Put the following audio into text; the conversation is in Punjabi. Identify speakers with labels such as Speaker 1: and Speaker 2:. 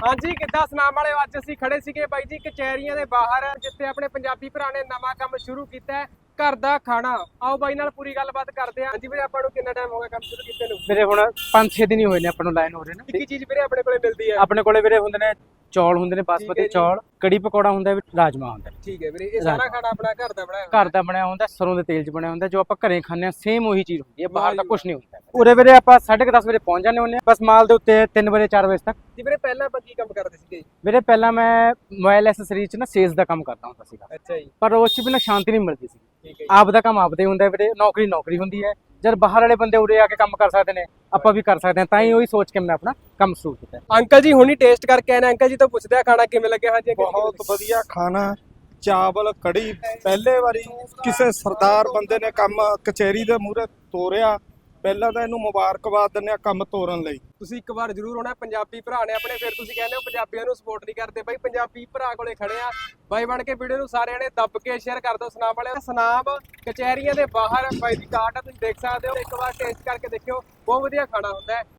Speaker 1: ਹਾਂਜੀ ਕਿੱਦਾਂ ਸੁਨਾਮ ਵਾਲੇ ਅੱਜ ਅਸੀਂ ਖੜੇ ਸੀਗੇ ਬਾਈ ਜੀ ਕਚਹਿਰੀਆਂ ਦੇ ਬਾਹਰ ਜਿੱਥੇ ਆਪਣੇ ਪੰਜਾਬੀ ਭਰਾ ਨੇ ਨਵਾਂ ਕੰਮ ਸ਼ੁਰੂ ਕੀਤਾ ਹੈ ਘਰ ਦਾ ਖਾਣਾ। ਆਓ ਬਾਈ ਨਾਲ ਪੂਰੀ ਗੱਲਬਾਤ ਕਰਦੇ ਹਾਂ। ਹਾਂਜੀ ਵੀਰੇ ਆਪਾਂ ਨੂੰ ਕਿੰਨਾ ਟਾਈਮ ਹੋ ਗਿਆ ਕੰਮ ਸ਼ੁਰੂ ਕੀਤੇ ਨੂੰ?
Speaker 2: ਵੀਰੇ ਹੁਣ 5-6 ਦਿਨ ਹੀ ਹੋਏ ਨੇ ਆਪਾਂ ਨੂੰ ਲਾਈਨ ਹੋ ਰਹੇ ਨੇ।
Speaker 1: ਕੀ ਚੀਜ਼ ਵੀਰੇ ਆਪਣੇ ਕੋਲੇ ਮਿਲਦੀ ਹੈ?
Speaker 2: ਆਪਣੇ ਕੋਲੇ ਵੀਰੇ ਹੁੰਦੇ ਨੇ ਚੌਲ ਹੁੰਦੇ ਨੇ ਬਾਸਮਤੀ ਚੌਲ, ਕੜੀ ਪਕੌੜਾ ਹੁੰਦਾ, ਰਾਜਮਾ ਹੁੰਦਾ।
Speaker 1: ਠੀਕ ਹੈ ਵੀਰੇ, ਇਹ ਸਾਰਾ ਖਾਣਾ ਆਪਣਾ ਘਰ ਦਾ ਬਣਾਇਆ
Speaker 2: ਘਰ ਦਾ ਬਣਿਆ ਹੁੰਦਾ, ਸਰੋਂ ਦੇ ਤੇਲ 'ਚ ਬਣਿਆ ਹੁੰਦਾ, ਜੋ ਆਪਾਂ ਘਰੇ ਖਾਂਦੇ ਆ ਸੇਮ ਉਹੀ ਚੀਜ਼ ਹੁੰਦੀ ਹੈ, ਬਾਹਰ ਦਾ ਕੁਝ ਨਹੀਂ ਹੁੰਦਾ। ਉਰੇ ਵੀਰੇ ਆਪਾਂ 10:30 ਵਜੇ ਪਹੁੰਚ ਜਾਂਦੇ ਹੁੰਦੇ ਆ, ਬਸ ਮਾਲ ਦੇ ਉੱਤੇ 3 ਵਜੇ 4 ਵਜੇ ਤੱਕ।
Speaker 1: ਜੀ ਵੀਰੇ ਪਹਿਲਾਂ ਆਪਾਂ ਕੀ ਕੰਮ ਕਰਦੇ ਸੀਗੇ?
Speaker 2: ਵੀਰੇ ਪਹਿਲਾਂ ਮੈਂ ਮੋਬਾਈਲ ਐਕਸੈਸਰੀ 'ਚ ਨਾ ਸੇਲਸ ਦਾ ਕੰਮ ਕਰਦਾ ਹੁੰਦਾ ਸੀਗਾ।
Speaker 1: ਅੱਛਾ ਜੀ,
Speaker 2: ਪਰ ਉਸ 'ਚ ਵੀ ਨਾ ਸ਼ਾਂਤੀ ਨਹੀਂ ਮਿਲਦੀ ਸੀ।
Speaker 1: ਠੀਕ ਹੈ
Speaker 2: ਆਪ ਦਾ ਕੰਮ ਆਪਦੇ ਹੁੰਦਾ ਵੀਰੇ, ਨੌਕਰੀ ਹੁੰਦੀ ਹੈ। ਜਦ ਬਾਹਰ ਵਾਲੇ ਬੰਦੇ ਉਰੇ ਆ ਕੇ ਕੰਮ ਕਰ ਸਕਦੇ ਨੇ, ਆਪਾਂ ਵੀ ਕਰ ਸਕਦੇ ਹਾਂ, ਤਾਂ ਹੀ ਉਹੀ ਸੋਚ ਕੇ ਮੈਂ ਆਪਣਾ ਕੰਮ ਸ਼ੁਰੂ ਕੀਤਾ।
Speaker 1: ਅੰਕਲ ਜੀ ਹੁਣੀ ਟੇਸਟ ਕਰਕੇ ਆਏ ਨੇ, ਅੰਕਲ ਜੀ ਤੋਂ ਪੁੱਛਦੇ ਆ ਖਾਣਾ ਕਿਵੇਂ ਲੱਗਿਆ। ਹਾਂਜੀ ਅੰਕਲ ਜੀ,
Speaker 3: ਬਹੁਤ ਵਧੀਆ ਖਾਣਾ, ਚਾਵਲ ਕੜੀ। ਪਹਿਲੇ ਵਾਰੀ ਕਿਸੇ ਸਰਦਾਰ ਬੰਦੇ ਨੇ ਕੰਮ ਕਚਹਿਰੀ ਦੇ ਮੂਹਰੇ ਤੋਰਿਆ, ਪਹਿਲਾਂ ਤਾਂ ਇਹਨੂੰ ਮੁਬਾਰਕਬਾਦ ਦਿੰਦੇ ਆ ਕੰਮ ਤੋਰਨ ਲਈ।
Speaker 1: ਤੁਸੀਂ ਇੱਕ ਵਾਰ ਜ਼ਰੂਰ ਆਉਣਾ, ਪੰਜਾਬੀ ਭਰਾ ਨੇ ਆਪਣੇ, ਫਿਰ ਤੁਸੀਂ ਕਹਿੰਦੇ ਹੋ ਪੰਜਾਬੀਆਂ ਨੂੰ ਸਪੋਰਟ ਨਹੀਂ ਕਰਦੇ। ਬਾਈ ਪੰਜਾਬੀ ਭਰਾ ਕੋਲੇ ਖੜੇ ਆ, ਬਾਈ ਬਣ ਕੇ ਵੀਡੀਓ ਨੂੰ ਸਾਰਿਆਂ ਨੇ ਦੱਬ ਕੇ ਸ਼ੇਅਰ ਕਰ ਦਿਓ। ਸੁਨਾਮ ਵਾਲੇ ਸੁਨਾਮ ਕਚਹਿਰੀਆਂ ਦੇ ਬਾਹਰ ਬਾਈ ਦੀ ਕਾਰਟ ਆ, ਤੁਸੀਂ ਦੇਖ ਸਕਦੇ ਹੋ। ਇੱਕ ਵਾਰ ਟੇਸਟ ਕਰਕੇ ਦੇਖਿਓ, ਬਹੁਤ ਵਧੀਆ ਖਾਣਾ ਹੁੰਦਾ ਹੈ।